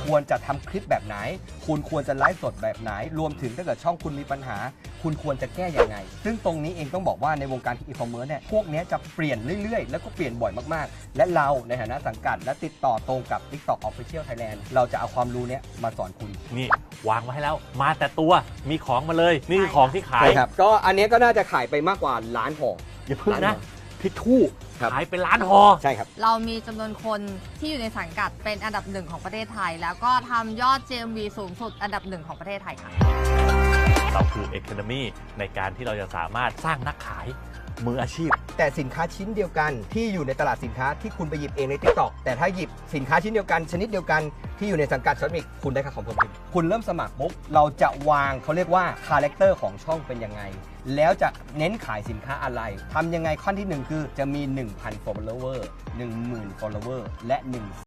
ควรจะทำคลิปแบบไหนคุณควรจะไลฟ์สดแบบไหนรวมถึงถ้าเกิดช่องคุณมีปัญหาคุณควรจะแก้ยังไงซึ่งตรงนี้เองต้องบอกว่าในวงการอีคอมเมิร์ซเนี่ยพวกนี้จะเปลี่ยนเรื่อยๆแล้วก็เปลี่ยนบ่อยมากๆและเราในฐานะสังกัดและติดต่อตรงกับ TikTok Official Thailand เราจะเอาความรู้เนี้ยมาสอนคุณนี่วางไว้ให้แล้วมาแต่ตัวมีของมาเลยนี่คือของที่ขายใช่ครับก็อันนี้ก็น่าจะขายไปมากกว่าล้านห่ออย่าเพิ่งนะทิชชู่ครับขายเป็นล้านห่อใช่ครับเรามีจำนวนคนที่อยู่ในสังกัดเป็นอันดับหนึ่งของประเทศไทย แล้วก็ทำยอด GMV สูงสุดอันดับหนึ่งของประเทศไทยค่ะเราคือ Economy ในการที่เราจะสามารถสร้างนักขายมืออาชีพแต่สินค้าชิ้นเดียวกันที่อยู่ในตลาดสินค้าที่คุณไปหยิบเองใน TikTok แต่ถ้าหยิบสินค้าชิ้นเดียวกันชนิดเดียวกันที่อยู่ในสังกัดช็อตมิกคุณได้ค่าคอมมิชชั่นคุณเริ่มสมัครปุ๊บเราจะวางเขาเรียกว่าคาแรคเตอร์ของช่องเป็นยังไงแล้วจะเน้นขายสินค้าอะไรทำยังไงขั้นที่ 1 คือจะมี 1,000 follower 10,000 follower และ1